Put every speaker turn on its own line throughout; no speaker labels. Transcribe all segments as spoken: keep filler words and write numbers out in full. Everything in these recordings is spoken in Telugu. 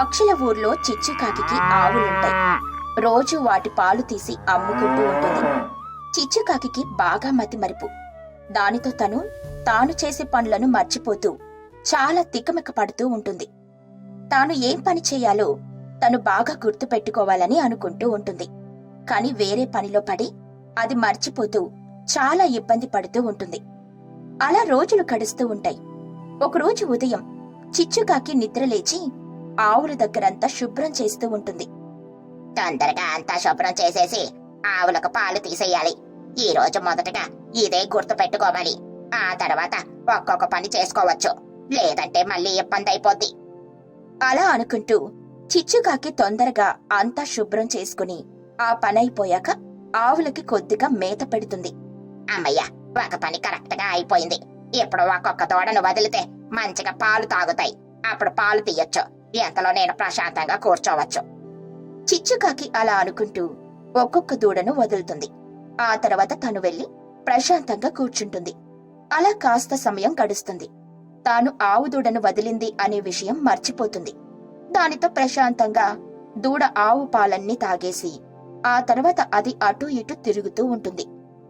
అక్షల ఊర్లో చిచ్చుకాకి ఆవులుంటాయి. రోజు వాటి పాలు తీసి అమ్ముకుంటూ ఉంటుంది. చిచ్చుకాకి బాగా మతిమరుపు. దానితో తను తాను చేసే పనులను మర్చిపోతూ చాలా తికమక పడుతూ ఉంటుంది. తాను ఏం పని చేయాలో తను బాగా గుర్తు పెట్టుకోవాలని అనుకుంటూ ఉంటుంది. కాని వేరే పనిలో పడి అది మర్చిపోతూ చాలా ఇబ్బంది పడుతూ ఉంటుంది. అలా రోజులు గడుస్తూ ఉంటాయి. ఒకరోజు ఉదయం చిచ్చుకాకి నిద్రలేచి ఆవుల దగ్గరంతా శుభ్రం చేస్తూ ఉంటుంది.
తొందరగా అంతా శుభ్రం చేసేసి ఆవులకు పాలు తీసేయాలి. ఈ రోజు మొదటగా ఇదే గుర్తు పెట్టుకోవాలి. ఆ తర్వాత ఒక్కొక్క పని చేసుకోవచ్చు, లేదంటే మళ్ళీ ఇబ్బంది అయిపోద్ది.
అలా అనుకుంటూ చిచ్చుకాకి తొందరగా అంతా శుభ్రం చేసుకుని ఆ పనైపోయాక ఆవులకి కొద్దిగా మేత పెడుతుంది.
అమ్మయ్య, ఒక పని కరెక్ట్ గా అయిపోయింది. ఇప్పుడు ఒక్కొక్క దూడను వదిలితే మంచిగా పాలు తాగుతాయి. అప్పుడు పాలు తీయొచ్చు. ఎంతలో నేను ప్రశాంతంగా కూర్చోవచ్చు.
చిచ్చుకాకి అలా అనుకుంటూ ఒక్కొక్క దూడను వదులుతుంది. ఆ తర్వాత తను వెళ్లి ప్రశాంతంగా కూర్చుంటుంది. అలా కాస్త సమయం గడుస్తుంది. తాను ఆవు దూడను వదిలింది అనే విషయం మర్చిపోతుంది. దానితో ప్రశాంతంగా దూడ ఆవు పాలన్నీ తాగేసి ఆ తర్వాత అది అటూ ఇటూ తిరుగుతూ ఉంటుంది.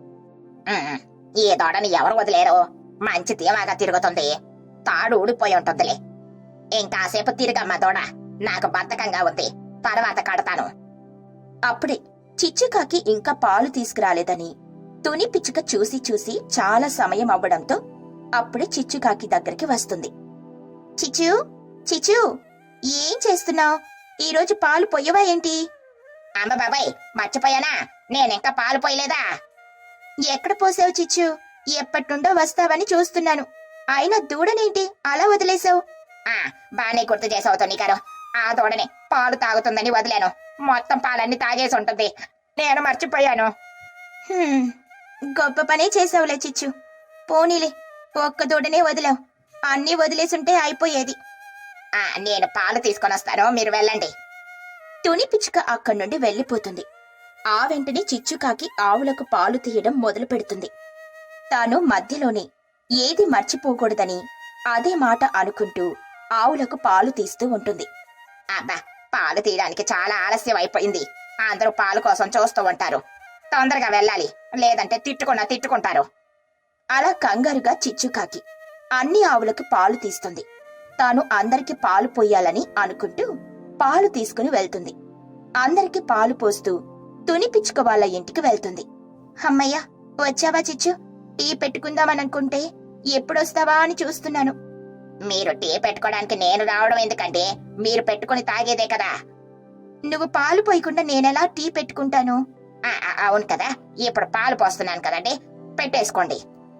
ఉమ్, ఈ దూడని ఎవరు వదిలేరు? మంచి ధీమాగా తిరుగుతుంది. తాడు ఊడిపోయి ఉంటుందిలే. ఇంకాసేపు తిరిగమ్మా దూడ, నాకు బద్ధకంగా ఉంది. తర్వాత కడతాను.
అప్పుడే చిచ్చుకాకి ఇంకా పాలు తీసుకురాలేదని తుని పిచ్చుక చూసి చూసి చాలా సమయం అవ్వడంతో అప్పుడే చిచ్చుకాకి దగ్గరికి వస్తుంది. చిచ్చు చిచ్చు, ఏం చేస్తున్నావు? ఈరోజు పాలు పొయ్యవా ఏంటి?
అమ్మ బాబాయ్, మర్చిపోయానా? నేనింకా పాలు పోయలేదా?
ఎక్కడ పోసావు చిచ్చు? ఎప్పటినుండో వస్తావని చూస్తున్నాను. అయినా దూడనేంటి అలా వదిలేశావు?
ఆ బానే గుర్తు చేసావు తొనికారు. ఆ దూడని పాలు తాగుతుందని వదిలేను. మొత్తం పాలన్నీ తాగేసి ఉంటుంది. నేను మర్చిపోయాను.
హ్మ్, గొప్ప పనే చేసావులే చిచ్చు. పోనీలే, ఒక్క దూడనే వదిలావు. అన్నీ వదిలేసుంటే అయిపోయేది.
ఆ నేను పాలు తీసుకొని వస్తాను, మీరు వెళ్ళండి.
తుని పిచ్చుక అక్కడి నుండి వెళ్లిపోతుంది. ఆ వెంటనే చిచ్చుకాకి ఆవులకు పాలు తీయడం మొదలు పెడుతుంది. తాను మధ్యలోనే ఏది మర్చిపోకూడదని అదే మాట అనుకుంటూ ఆవులకు పాలు తీస్తూ ఉంటుంది.
అబ్బా, పాలు తీయడానికి చాలా ఆలస్యం అయిపోయింది. అందరూ పాలు కోసం చూస్తూ ఉంటారు. తొందరగా వెళ్ళాలి, లేదంటే తిట్టుకున్నా తిట్టుకుంటారు.
అలా కంగారుగా చిచ్చుకాకి అన్ని ఆవులకు పాలు తీస్తుంది. తాను అందరికి పాలు పోయాలని అనుకుంటూ పాలు తీసుకుని వెళ్తుంది. అందరికి పాలు పోస్తూ తుని పిచ్చుక వాళ్ళ ఇంటికి వెళ్తుంది. అమ్మయ్య, వచ్చావా చిచ్చు? టీ పెట్టుకుందామనుకుంటే ఎప్పుడొస్తావా అని చూస్తున్నాను.
మీరు టీ పెట్టుకోవడానికి నేను రావడం ఎందుకంటే మీరు పెట్టుకుని తాగేదే కదా.
నువ్వు పాలు పోయకుండా నేనెలా టీ పెట్టుకుంటాను?
ఆ, ఆ, అవును కదా, ఇప్పుడు పాలు పోస్తున్నాను కదండి, పెట్టేసుకోండి.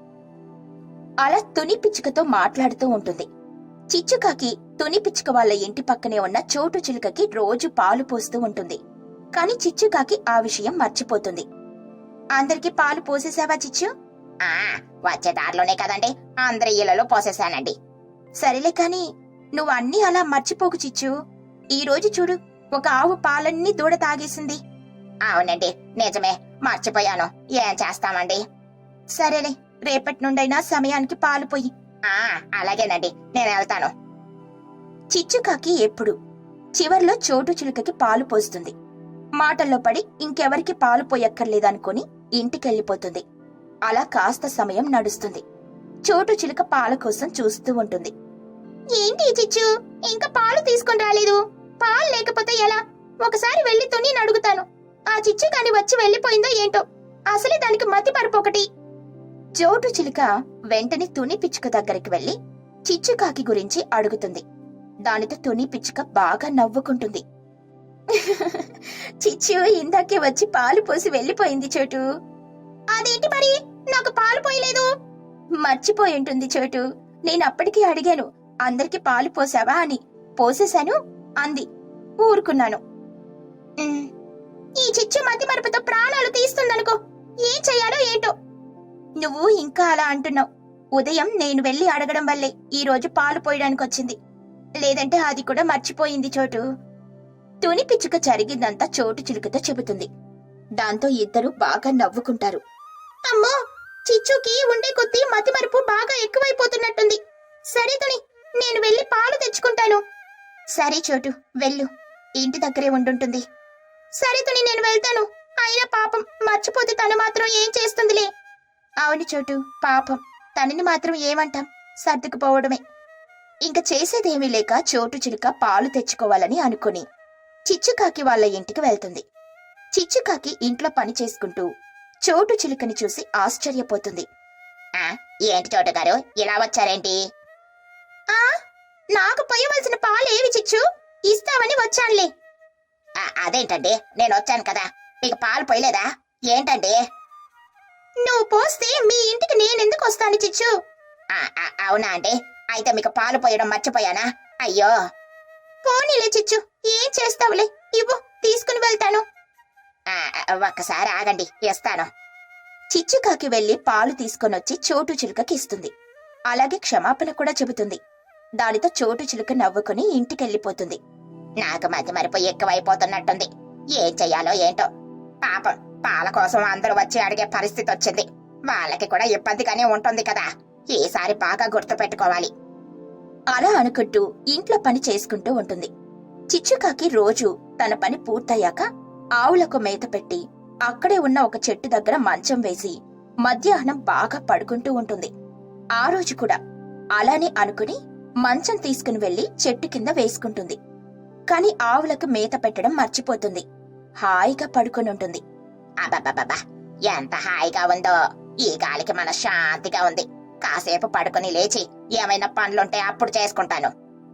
అలా తుని పిచ్చుకతో మాట్లాడుతూ ఉంటుంది. చిచ్చుకాకి తుని పిచ్చుక వాళ్ళ ఇంటి పక్కనే ఉన్న చోటు చిలుకకి రోజు పాలు పోస్తూ ఉంటుంది. కాని చిచ్చుకాకి ఆ విషయం మర్చిపోతుంది. అందరికి పాలు పోసేసావా చిచ్చు?
ఆ వచ్చే దారిలోనే కదండి అందరి ఇళ్లలో పోసేసానండి.
సరేలే కాని నువ్వు అన్నీ అలా మర్చిపోకు చిచ్చు. ఈ రోజు చూడు, ఒక ఆవు పాలన్నీ దూడ తాగేసింది.
అవునండి, నిజమే, మర్చిపోయాను. ఏం చేస్తామండి?
సరేలే, రేపటి నుండైనా సమయానికి పాలు పోయి.
ఆ అలాగేనండి, నేను వెళ్తాను.
చిచ్చుకాకి ఎప్పుడు చివర్లో చోటు చిలుకకి పాలు పోస్తుంది. మాటల్లో పడి ఇంకెవరికి పాలు పోయక్కర్లేదనుకుని ఇంటికెళ్లిపోతుంది. అలా కాస్త సమయం నడుస్తుంది. చోటు చిలుక పాల కోసం చూస్తూ ఉంటుంది. ఏంటి చిచ్చు, ఇంకా పాలు తీసుకొని రాలేదు? పాలు లేకపోతే ఎలా? ఒకసారి వెళ్లి తుని అడుగుతాను. ఆ చిచ్చు కాని వచ్చి వెళ్లిపోయిందో ఏంటో. అసలే దానికి మతి మరపొకటి. చోటు చిలుక వెంటనే తుని పిచ్చుక దగ్గరికి వెళ్లి చిచ్చుకాకి గురించి అడుగుతుంది. దానితో తుని పిచ్చుక బాగా నవ్వుకుంటుంది. చిచ్చు ఇందాకే వచ్చి పాలు పోసి వెళ్లిపోయింది చోటు. అదేంటి మరి, నాకు పాలు పోయలేదు? మర్చిపోయి ఉంటుంది చోటు. నేనప్పటికీ అడిగాను, అందరికి పాలు పోసావా అని. పోసేశాను అంది. ఊరుకున్నాను. ఈ చిచ్చు మతి మరుపుతో ప్రాణాలు తీస్తుందనుకో. ఏం చెయ్యాలో ఏంటో. నువ్వు ఇంకా అలా అంటున్నావు. ఉదయం నేను వెళ్లి అడగడం వల్లే ఈ రోజు పాలు పోయడానికి వచ్చింది. లేదంటే అది కూడా మర్చిపోయింది చోటు. తుని పిచ్చుక జరిగిందంతా చోటు చిలుకతో చెబుతుంది. దాంతో ఇద్దరు బాగా నవ్వుకుంటారు. అమ్మో, చిచ్చుకి ఉండే కొద్దీ మతి మరుపు బాగా ఎక్కువైపోతున్నట్టుంది. సరే తుని, నేను వెళ్లి పాలు తెచ్చుకుంటాను. సరే చోటు వెళ్ళు, ఇంటి దగ్గరే ఉండుంటుంది. సరే తుని, నేను వెళ్తాను. అయినా పాపం మర్చిపోతే తను మాత్రం ఏం చేస్తుందిలే. అవును చోటు, పాపం తనని మాత్రం ఏమంటాం, సర్దుకుపోవడమే. ఇంక చేసేదేమీ లేక చోటు చిలుక పాలు తెచ్చుకోవాలని అనుకుని చిచ్చుకాకి వాళ్ళ ఇంటికి వెళ్తుంది. చిచ్చుకాకి ఇంట్లో పని చేసుకుంటూ చోటు చిలుకని చూసి ఆశ్చర్యపోతుంది.
ఆ ఏంటి చోటు గారు ఇలా వచ్చారేంటి?
ఆ నాకు పోయవలసిన పాలేవి చిచ్చు, ఇస్తావని వచ్చానులే.
ఆ, అదేంటండి, నేను వచ్చాను కదా, మీకు పాలు పోయలేదా ఏంటండి?
నువ్వు పోస్తే మీ ఇంటికి నేనెందుకు వస్తాను చిచ్చు?
ఆ, ఆ, అవునా అండి, అయితే మీకు పాలు పోయడం మర్చిపోయానా? అయ్యో.
పోనీలే చిచ్చు, ఏం చేస్తావులే, ఇవ్వు, తీసుకుని వెళ్తాను.
ఆ, ఒక్కసారి ఆగండి, ఇస్తాను.
చిచ్చుకాకి వెళ్లి పాలు తీసుకొనొచ్చి చోటు చిలుకకి ఇస్తుంది. అలాగే క్షమాపణ కూడా చెబుతుంది. దానితో చోటు చిలుక నవ్వుకుని ఇంటికెళ్ళిపోతుంది.
నాకు మధ్య మరిపు ఎక్కువైపోతున్నట్టుంది. ఏం చెయ్యాలో ఏంటో. పాపం పాల కోసం అందరూ వచ్చి అడిగే పరిస్థితి వచ్చింది. వాళ్ళకి కూడా ఇబ్బందిగానే ఉంటుంది కదా. ఈసారి బాగా గుర్తు పెట్టుకోవాలి.
అలా అనుకుంటూ ఇంట్లో పని చేసుకుంటూ ఉంటుంది. చిచ్చుకాకి రోజు తన పని పూర్తయ్యాక ఆవులకు మేత పెట్టి అక్కడే ఉన్న ఒక చెట్టు దగ్గర మంచం వేసి మధ్యాహ్నం బాగా పడుకుంటూ ఉంటుంది. ఆ రోజు కూడా అలానే అనుకుని మంచం తీసుకుని వెళ్లి చెట్టు కింద వేసుకుంటుంది. కాని ఆవులకు మేత పెట్టడం మర్చిపోతుంది. హాయిగా పడుకుని ఉంటుంది.
అబ్బబ్బబ్బా, ఎంత హాయిగా ఉందో. ఈ గాలికి మన శాంతిగా ఉంది. కాసేపు పడుకుని లేచి ఏమైనా పనులుంటే అప్పుడు చేసుకుంటాను.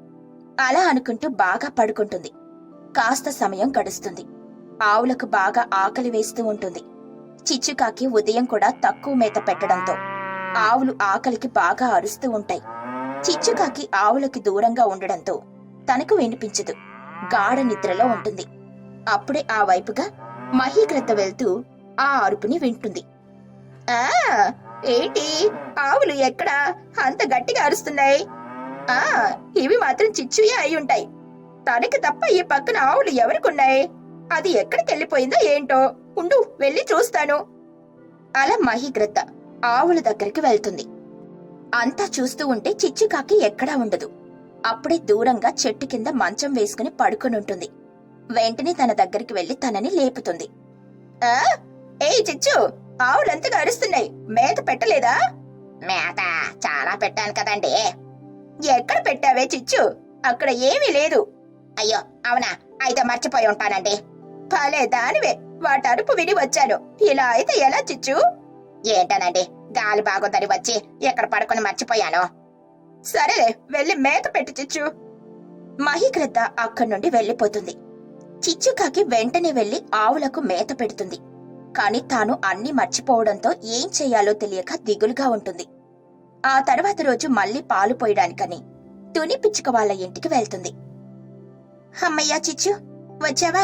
అలా అనుకుంటూ బాగా పడుకుంటుంది. కాస్త సమయం గడుస్తుంది. ఆవులకు బాగా ఆకలి వేస్తూ ఉంటుంది. చిచ్చుకాకి ఉదయం కూడా తక్కువ మేత పెట్టడంతో ఆవులు ఆకలికి బాగా అరుస్తూ ఉంటాయి. చిచ్చుకాకి ఆవులకి దూరంగా ఉండడంతో తనకు వినిపించదు. గాఢ నిద్రలో ఉంటుంది. అప్పుడే ఆ వైపుగా మహీగ్రద్ద వెళ్తూ ఆ అరుపుని వింటుంది. ఆ ఏంటి, ఆవులు ఎక్కడా అంత గట్టిగా అరుస్తున్నాయి? ఆ ఇవి మాత్రం చిచ్చుయే అయి ఉంటాయి. తనకి తప్ప ఈ పక్కన ఆవులు ఎవరికున్నాయి? అది ఎక్కడికెళ్ళిపోయిందో ఏంటో, ఉండు వెళ్ళి చూస్తాను. అలా మహీగ్రద్ద ఆవుల దగ్గరికి వెళ్తుంది. అంతా చూస్తూ ఉంటే చిచ్చుకాకి ఎక్కడా ఉండదు. అప్పుడే దూరంగా చెట్టు కింద మంచం వేసుకుని పడుకొనుంటుంది. వెంటనే తన దగ్గరికి వెళ్లి తనని లేపుతుంది. ఆ ఏ చిచ్చు, ఆవులంతగా అరుస్తున్నాయి, మేత పెట్టలేదా?
మేత చాలా పెట్టాను కదండి.
ఎక్కడ పెట్టావే చిచ్చు? అక్కడ ఏమీ లేదు.
అయ్యో అవునా, అయితే మర్చిపోయి ఉంటానండి.
భలే దానివే, వాటి అరుపు విని వచ్చాను. ఇలా అయితే ఎలా చిచ్చు?
ఏంటనండి, గాలి బాగుందని వచ్చి ఎక్కడ పడుకుని మర్చిపోయాను.
సరేలే, వెళ్ళి మేత పెట్టి చిచ్చు. మహీగ్రద్ద అక్కడి నుండి వెళ్లిపోతుంది. చిచ్చుకాకి వెంటనే వెళ్లి ఆవులకు మేత పెడుతుంది. కాని తాను అన్నీ మర్చిపోవడంతో ఏం చెయ్యాలో తెలియక దిగులుగా ఉంటుంది. ఆ తర్వాత రోజు మళ్లీ పాలు పోయడానికని తుని పిచ్చుక వాళ్ళ ఇంటికి వెళ్తుంది. అమ్మయ్యా చిచ్చు, వచ్చావా?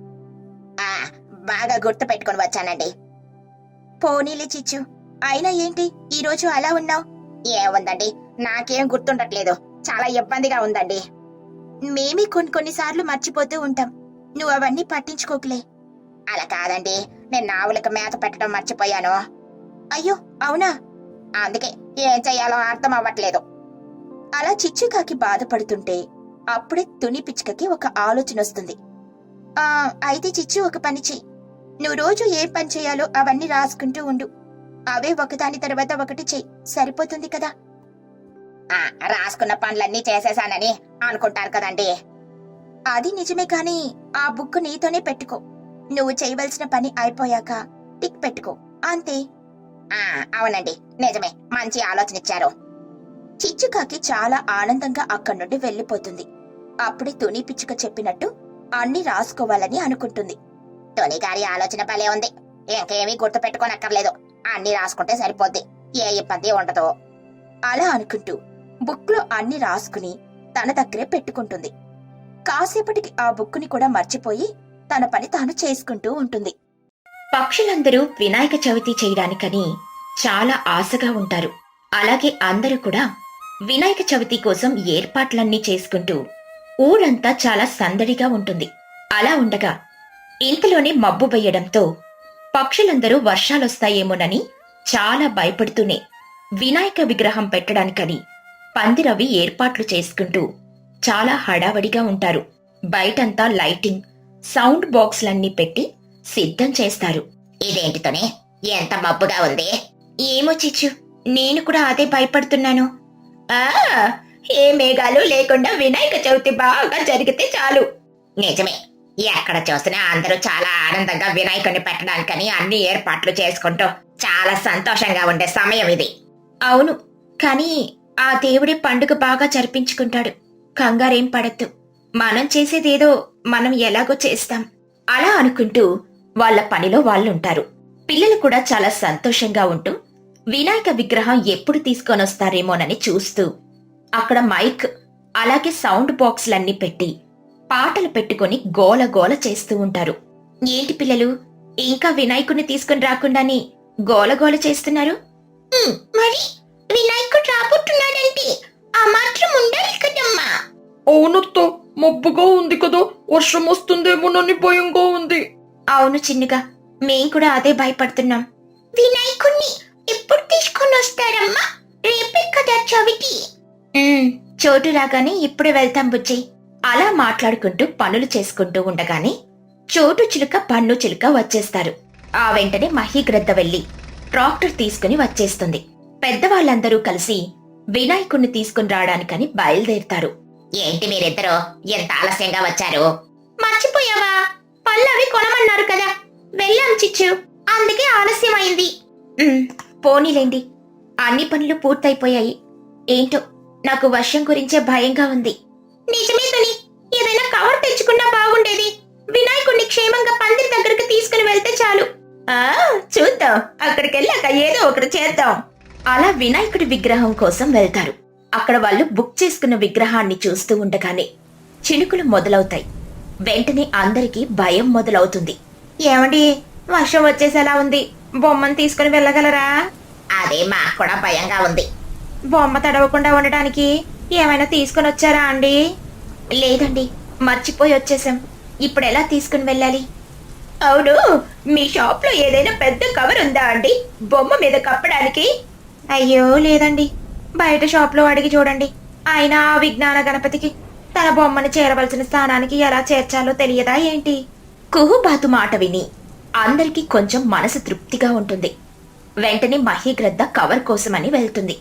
ఆ బాగా గుర్తు పెట్టుకుని వచ్చానండి.
పోనీలే చిచ్చు, అయినా ఏంటి ఈరోజు అలా ఉన్నావు?
ఏముందండి, నాకేం గుర్తుండట్లేదు. చాలా ఇబ్బందిగా ఉందండి.
మేమే కొన్ని కొన్నిసార్లు మర్చిపోతూ ఉంటాం. నువ్వు అవన్నీ పట్టించుకోకులే.
అలా కాదండి, నేను ఆవులకు మేత పెట్టడం మర్చిపోయాను.
అయ్యో అవునా?
అందుకే ఏం చెయ్యాలో అర్థం అవ్వట్లేదు.
అలా చిచ్చుకాకి బాధపడుతుంటే అప్పుడే తుని పిచ్చుకకి ఒక ఆలోచన వస్తుంది. ఆ అయితే చిచ్చు, ఒక పని చెయ్యి. నువ్వు రోజు ఏం పని చేయాలో అవన్నీ రాసుకుంటూ ఉండు. అవే ఒకదాని తర్వాత ఒకటి చెయ్యి, సరిపోతుంది కదా.
ఆ రాసుకున్న పనులన్నీ చేసేసానని అనుకుంటారు కదండి.
అది నిజమే, కాని ఆ బుక్ నీతోనే పెట్టుకో. నువ్వు చేయవలసిన పని అయిపోయాక టిక్ పెట్టుకో, అంతే.
ఆ అవునండి, నిజమే, మంచి ఆలోచన ఇచ్చారు.
చిచ్చుకాకి చాలా ఆనందంగా అక్కడి నుండి వెళ్లిపోతుంది. అప్పుడే తుని పిచ్చుక చెప్పినట్టు అన్ని రాసుకోవాలని అనుకుంటుంది.
తుని గారి ఆలోచన భలే ఉంది. ఇంకేమీ గుర్తు పెట్టుకోనక్కర్లేదు, అన్ని రాసుకుంటే సరిపోద్ది, ఏ ఇబ్బంది ఉండదు.
అలా అనుకుంటూ బుక్ లో అన్ని రాసుకుని తన దగ్గరే పెట్టుకుంటుంది. కాసేపటికి ఆ బుక్కుని కూడా మర్చిపోయి తన పని తాను చేసుకుంటూ ఉంటుంది.
పక్షులందరూ వినాయక చవితి చేయడానికని చాలా ఆశగా ఉంటారు. అలాగే అందరూ కూడా వినాయక చవితి కోసం ఏర్పాట్లన్నీ చేసుకుంటూ ఊరంతా చాలా సందడిగా ఉంటుంది. అలా ఉండగా ఇంతలోనే మబ్బు వేయడంతో పక్షులందరూ వర్షాలొస్తాయేమోనని చాలా భయపడుతూనే వినాయక విగ్రహం పెట్టడానికని పందిరవి ఏర్పాట్లు చేసుకుంటూ చాలా హడావడిగా ఉంటారు. బయటంతా లైటింగ్, సౌండ్ బాక్స్లన్నీ పెట్టి సిద్ధం చేస్తారు.
ఇదేంటితోనే ఎంత మబ్బుగా ఉంది.
ఏమో చిచ్చు, నేను కూడా అదే భయపడుతున్నాను. ఆ ఏ మేఘాలు లేకుండా వినాయక చవితి బాగా జరిగితే చాలు.
నిజమే, ఎక్కడ చూసినా అందరూ చాలా ఆనందంగా వినాయకుడిని పెట్టడానికని అన్ని ఏర్పాట్లు చేసుకుంటూ చాలా సంతోషంగా ఉండే సమయం ఇది.
అవును, కానీ ఆ దేవుడి పండుగ బాగా జరిపించుకుంటాడు. కంగారేం పడద్దు, మనం చేసేదేదో మనం ఎలాగో చేస్తాం అలా అనుకుంటూ వాళ్ళ పనిలో వాళ్ళుంటారు. పిల్లలు కూడా చాలా సంతోషంగా ఉంటూ వినాయక విగ్రహం ఎప్పుడు తీసుకొనొస్తారేమోనని చూస్తూ అక్కడ మైక్ అలాగే సౌండ్ బాక్స్లన్నీ పెట్టి పాటలు పెట్టుకుని గోల గోల చేస్తూ ఉంటారు. ఏంటి పిల్లలు, ఇంకా వినాయకుడిని తీసుకుని రాకుండాని గోల గోల చేస్తున్నారు?
మరి వినాయకుడు రాబోతున్నాడంటే ఆ మాత్రం ఉండాలి కదమ్మా.
అవునత్త, మబ్బుగా ఉంది కదా, వర్షం వస్తుందేమోనని భయంగా ఉంది.
అవును చిన్నుగా, మేం కూడా అదే భయపడుతున్నాం.
వినాయకుడిని ఎప్పుడు తీసుకొని వస్తారమ్మా? రేపే కదా చవితి.
చోటు రాగానే ఇప్పుడే వెళ్తాం బుజ్జి. అలా మాట్లాడుకుంటూ పనులు చేసుకుంటూ ఉండగానే చోటు చిలుక పన్ను చిలుక వచ్చేస్తారు. ఆ వెంటనే మహీగ్రద్ద వెళ్లి ట్రాక్టర్ తీసుకుని వచ్చేస్తుంది. పెద్దవాళ్ళందరూ కలిసి వినాయకుణ్ణి తీసుకుని రావడానికని బయలుదేరుతారు.
ఏంటి మీరిద్దరూ ఎంత ఆలస్యంగా వచ్చారు?
మర్చిపోయావా? పళ్ళవి కొనమన్నారు కదా, వెళ్ళాం చిచ్చు, అందుకే ఆలస్యమైంది. పోనీలేండి, అన్ని పనులు పూర్తయిపోయాయి. ఏంటో నాకు వర్షం గురించే భయంగా ఉంది. నిజమే తని, ఏదైనా కవర్ తెచ్చుకున్నా బాగుండేది. వినాయకుడిని క్షేమంగా పందిరి దగ్గరికి తీసుకుని వెళ్తే చాలు. ఆ చూద్దాం, అక్కడికెళ్ళాక ఏదో ఒకటి చేద్దాం. అలా వినాయకుడి విగ్రహం కోసం వెళ్తారు. అక్కడ వాళ్ళు బుక్ చేసుకున్న విగ్రహాన్ని చూస్తూ ఉండగానే చినుకులు మొదలవుతాయి. వెంటనే అందరికీ భయం మొదలవుతుంది. ఏమండి, వర్షం వచ్చేసేలా ఉంది, బొమ్మను తీసుకుని వెళ్ళగలరా?
అదే మాకు కూడా భయంగా ఉంది.
బొమ్మ తడవకుండా ఉండడానికి ఏమైనా తీసుకుని వచ్చారా అండి? లేదండి, మర్చిపోయి వచ్చేసాం. ఇప్పుడు ఎలా తీసుకుని వెళ్ళాలి? అవును, మీ షాప్ లో ఏదైనా పెద్ద కవర్ ఉందా అండి బొమ్మ మీద కప్పడానికి? అయ్యో లేదండి, బయట షాప్ లో అడిగి చూడండి. ఆయన ఆ విజ్ఞాన గణపతికి తన బొమ్మని చేరవలసిన స్థానానికి ఎలా చేర్చాలో తెలియదా ఏంటి? కుహుబాతు మాట విని అందరికీ కొంచెం మనసు తృప్తిగా ఉంటుంది. వెంటనే మహీగ్రద్ద కవర్ కోసమని వెళ్తుంది.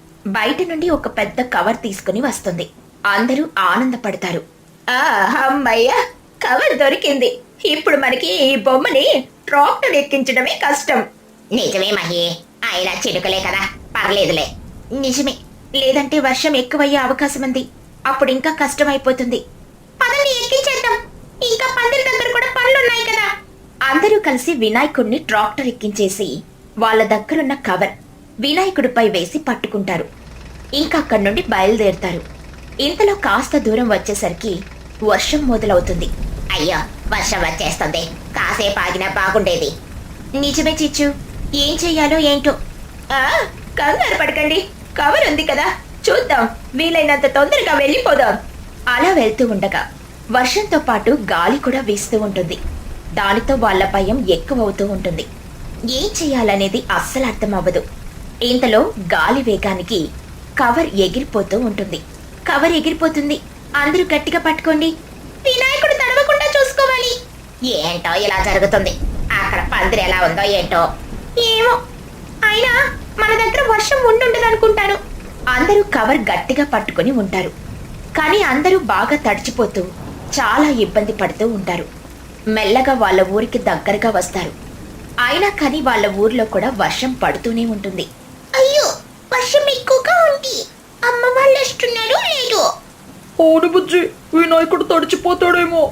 బయట నుండి ఒక పెద్ద కవర్ తీసుకుని వస్తుంది. అందరూ ఆనందపడతారు. ఆ అమ్మయ్య, కవర్ దొరికింది. ఇప్పుడు మనకి ఈ బొమ్మని ట్రాక్టర్ ఎక్కించడమే కష్టం.
నిజమే మహి, అయినా చినుకలే కదా, పర్లేదులే.
నిజమే, లేదంటే వర్షం ఎక్కువయ్యే అవకాశం ఉంది. అప్పుడు ఇంకా కష్టమైపోతుంది. పదండి, ఎక్కించేద్దాం. ఇంకా పందిరి దగ్గర కూడా పనులున్నాయి కదా. అందరూ కలిసి వినాయకుడిని ట్రాక్టర్ ఎక్కించేసి వాళ్ళ దగ్గరున్న కవర్ వినాయకుడిపై వేసి పట్టుకుంటారు. ఇంకా అక్కడి నుండి బయలుదేరుతారు. ఇంతలో కాస్త దూరం వచ్చేసరికి వర్షం మొదలవుతుంది.
అయ్యో, వర్షం వచ్చేస్తుంది, కాసేపు ఆగినా బాగుండేది.
నిజమే చిచ్చు, ఏం చెయ్యాలో ఏంటో. ఆ కంగారు పడకండి, కవర్ ఉంది కదా, చూద్దాం, వీలైనంత తొందరగా వెళ్ళిపోదాం. అలా వెళ్తూ ఉండగా వర్షంతో పాటు గాలి కూడా వీస్తూ ఉంటుంది. దానితో వాళ్ళ భయం ఎక్కువవుతూ ఉంటుంది. ఏం చెయ్యాలనేది అస్సలు అర్థం అవ్వదు. ఇంతలో గాలి వేగానికి కవర్ ఎగిరిపోతూ ఉంటుంది. కవర్ ఎగిరిపోతుంది. అందరూ గట్టిగా పట్టుకోండి. వినాయకుడు తడవకుండా చూసుకోవాలి.
ఏంటో ఇలా జరుగుతుంది, అక్కడ పందిరి ఎలా ఉందో ఏంటో.
ఏమో, అయినా మన దగ్గర వర్షం ఉండుండదు అనుకుంటాను. అందరూ కవర్ గట్టిగా పట్టుకొని ఉంటారు. కానీ అందరూ బాగా తడిచిపోతూ చాలా ఇబ్బంది పడుతూ ఉంటారు. మెల్లగా వాళ్ళ ఊరికి దగ్గరగా వస్తారు. అయినా కానీ వాళ్ళ ఊర్లో కూడా వర్షం పడుతూనే ఉంటుంది.
అయ్యో, వర్షం ఎక్కువగా ఉంది, అమ్మ వాళ్ళు వస్తున్నారు లేదు.
అవును బుజ్జి, వినాయకుడు తడిచిపోతాడేమో.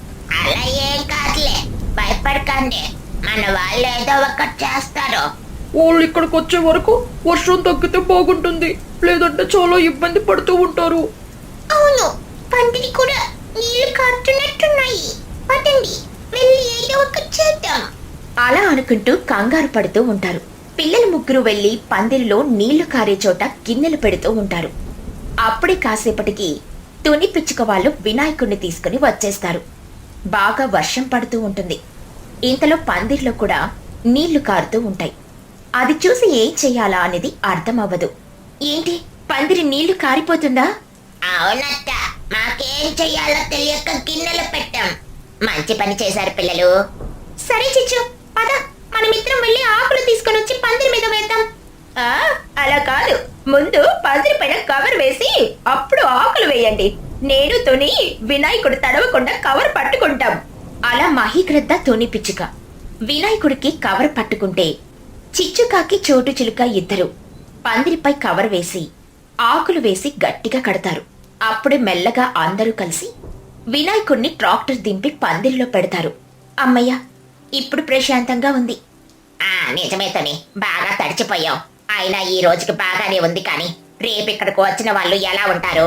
అలా ఏం కాదులే, భయపడకండి, మన వాళ్ళు ఏదో ఒకటి చేస్తారు.
వాళ్ళు ఇక్కడికి వచ్చే వరకు వర్షం తగ్గితే బాగుంటుంది, లేదంటే చాలా ఇబ్బంది పడుతూ ఉంటారు.
అవును, పందిరి కూడా నీళ్లు కారుతున్నట్టున్నాయి. పదండి, వెళ్ళి ఏదో ఒకటి చేద్దాం.
అలా అనుకుంటూ కంగారు పడుతూ ఉంటారు. పిల్లలు ముగ్గురు వెళ్లి పందిరిలో నీళ్లు కారే చోట గిన్నెలు పెడుతూ ఉంటారు. అప్పుడే కాసేపటికి తుని పిచ్చుక వాళ్ళు వినాయకుడిని తీసుకుని వచ్చేస్తారు. బాగా వర్షం పడుతూ ఉంటుంది. ఇంతలో పందిరిలో కూడా నీళ్లు కారుతూ ఉంటాయి. అది చూసి ఏం చెయ్యాలా అనేది అర్థం అవ్వదు. ఏంటి, పందిరి నీళ్లు కారిపోతుందా?
అవునక్క, మాకేం చెయ్యాలో తెలియక గిన్నెలు పెట్టాం. మంచి పని చేశారు పిల్లలు.
సరే చిచ్చు, పద మనమిద్దరం వెళ్ళి ఆకులు తీసుకొని వచ్చి పందిరి మీద వేద్దాం. ఆ, అలా కాదు, ముందు పందిరి పైన కవర్ వేసి అప్పుడు ఆకులు వేయండి. నేను తుని వినాయకుడు తడవకుండా కవర్ పట్టుకుంటాం. అలా మహిగ్రద్ద తుని పిచ్చుక వినాయకుడికి కవర్ పట్టుకుంటే చిచ్చుకాకి చోటు చిలుక ఇద్దరు పందిరిపై కవర్ వేసి ఆకులు వేసి గట్టిగా కడతారు. అప్పుడే మెల్లగా అందరూ కలిసి వినాయకుడిని ట్రాక్టర్ దింపి పందిరిలో పెడతారు. అమ్మయ్య, ఇప్పుడు ప్రశాంతంగా ఉంది.
ఆ నిజమే తని, బాగా తడిచిపోయాం. అయినా ఈ రోజుకి బాగానే ఉంది, కానీ రేపు ఇక్కడికి వచ్చిన వాళ్ళు ఎలా ఉంటారు?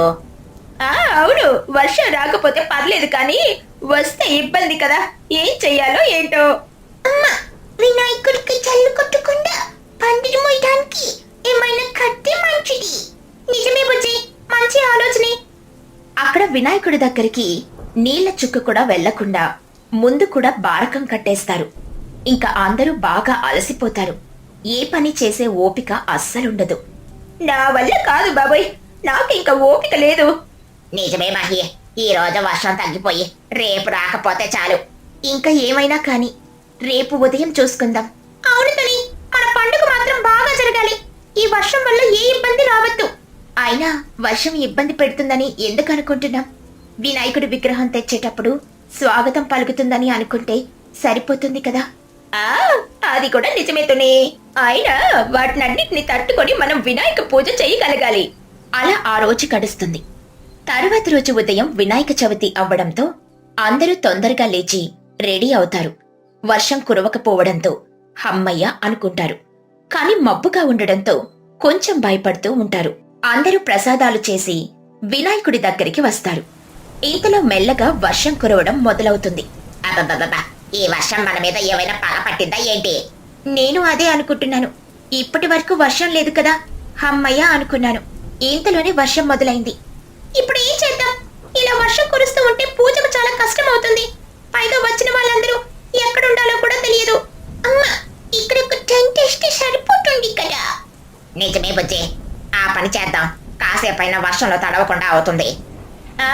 ఆ అవును, వర్షం రాకపోతే పర్లేదు, కానీ వస్తే ఇబ్బంది కదా. ఏం చెయ్యాలో ఏంటో.
అమ్మా, వినాయకుడికి చల్లు కొట్టకుండా పందిరి మోయడానికి ఏమైనా కట్టే మంచిది.
నిజమే బుజ్జి, మంచి ఆలోచనే. అక్కడ వినాయకుడి దగ్గరికి నీళ్ల చుక్క కూడా వెళ్లకుండా ముందు కూడా బారకం కట్టేస్తారు. ఇంకా అందరూ బాగా అలసిపోతారు. ఏ పని చేసే ఓపిక అస్సలుండదు. నా వల్ల కాదు బాబోయ్, నాకింక ఓపిక లేదు.
నిజమే మహి, ఈ రోజు వర్షం తగ్గిపోయి రేపు రాకపోతే చాలు.
ఇంకా ఏమైనా కాని రేపు ఉదయం చూసుకుందాం. అవును తని, మన పండుగ మాత్రం బాగా జరగాలి. ఈ వర్షం వల్ల ఏ ఇబ్బంది రావద్దు. అయినా వర్షం ఇబ్బంది పెడుతుందని ఎందుకు అనుకుంటున్నాం? వినాయకుడి విగ్రహం తెచ్చేటప్పుడు స్వాగతం పలుకుతుందని అనుకుంటే సరిపోతుంది కదా. ఆ అది కూడా నిజమే తుని. అయినా వాటినన్నిటిని తట్టుకొని మనం వినాయక పూజ చేయగలగాలి. అలా ఆ రోజు గడుస్తుంది. తరువాతి రోజు ఉదయం వినాయక చవితి అవ్వడంతో అందరూ తొందరగా లేచి రెడీ అవుతారు. వర్షం కురవకపోవడంతో హమ్మయ్య అనుకుంటారు. కాని మబ్బుగా ఉండడంతో కొంచెం భయపడుతూ ఉంటారు. అందరూ ప్రసాదాలు చేసి వినాయకుడి దగ్గరికి వస్తారు. ఇంతలో మెల్లగా వర్షం కురవడం మొదలవుతుంది.
అబ్బబ్బబ్బా, ఈ వర్షం మన మీద ఏమైనా పగ పట్టిందా ఏంటి?
నేను అదే అనుకుంటున్నాను. ఇప్పటి వరకు వర్షం లేదు కదా, హమ్మయ్య అనుకున్నాను. ఇంతలోనే వర్షం మొదలైంది. ఇప్పుడు ఏం చేద్దాం? ఇలా వర్షం కురుస్తూ ఉంటే పూజకు చాలా కష్టం అవుతుంది. పైగా వచ్చిన వాళ్ళందరూ ఎక్కడుండాలో కూడా తెలియదు.
అమ్మా, ఇక్కడ ఒక టెంట్ వేస్తే సరిపోతుంది కదా. నిజమే బుజ్జి, ఆ పని చేద్దాం. కాసేపైనా వర్షంలో తడవకుండా అవుతుంది.
ఆ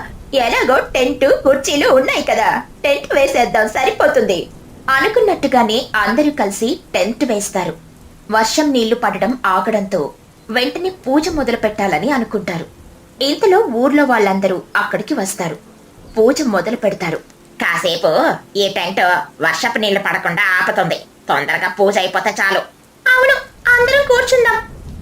ఎలాగో టెంట్ కుర్చీలు ఉన్నాయి కదా, టెంట్ వేసేద్దాం, సరిపోతుంది. అనుకున్నట్టుగానే అందరూ కలిసి టెంట్ వేస్తారు. వర్షం నీళ్లు పడడం ఆగడంతో వెంటనే పూజ మొదలు పెట్టాలని అనుకుంటారు. ఇంతలో ఊర్లో వాళ్ళందరూ అక్కడికి వస్తారు. పూజ మొదలు పెడతారు.
కాసేపు ఈ టెంట్ వర్షపు నీళ్లు పడకుండా ఆపుతుంది. తొందరగా పూజ అయిపోతే చాలు.
అవును, అందరం కూర్చుందాం.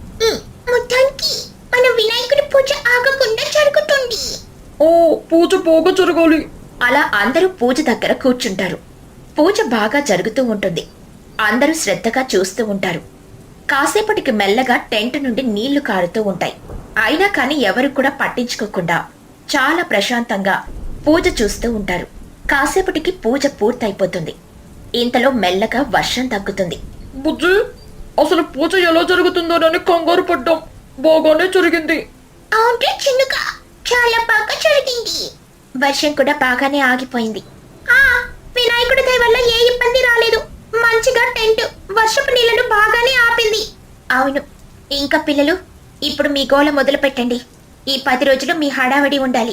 మొత్తానికి మన వినాయకుడి పూజ ఆగకుండా జరుగుతుంది.
ఓ, పూజ బాగా జరగాలి.
అలా అందరూ పూజ దగ్గర కూర్చుంటారు. పూజ బాగా జరుగుతూ ఉంటుంది. అందరూ శ్రద్ధగా చూస్తూ ఉంటారు. కాసేపటికి మెల్లగా టెంట్ నుండి నీళ్లు కారుతూ ఉంటాయి. అయినా కాని ఎవరు కూడా పట్టించుకోకుండా చాలా ప్రశాంతంగా పూజ చూస్తూ ఉంటారు. కాసేపటికి పూజ పూర్తయిపోతుంది. ఇంతలో మెల్లగా వర్షం తగ్గుతుంది.
బుజ్జి, అసలు పూజ ఎలా జరుగుతుందోనని కంగారు పడ్డాం. బాగానే జరిగింది.
అవును చిన్నుగా, చాలా బాగా జరిగింది. వర్షం కూడా బాగానే ఆగిపోయింది. ఆ వినాయకుడి దయ వల్ల ఏ ఇబ్బంది రాలేదు. మంచిగా టెంట్ వర్షపు నీళ్లను బాగానే ఆపింది. అవును, ఇంకా పిల్లలు, ఇప్పుడు మీ గోల మొదలు పెట్టండి. ఈ పది రోజులు మీ హడావడి ఉండాలి.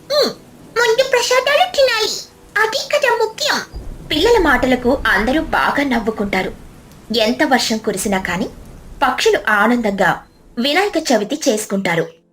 ముందు ప్రసాదాలు తినాలి, అది కదా ముఖ్యం. పిల్లల మాటలకు అందరూ బాగా నవ్వుకుంటారు. ఎంత వర్షం కురిసినా కాని పక్షులు ఆనందంగా వినాయక చవితి చేసుకుంటారు.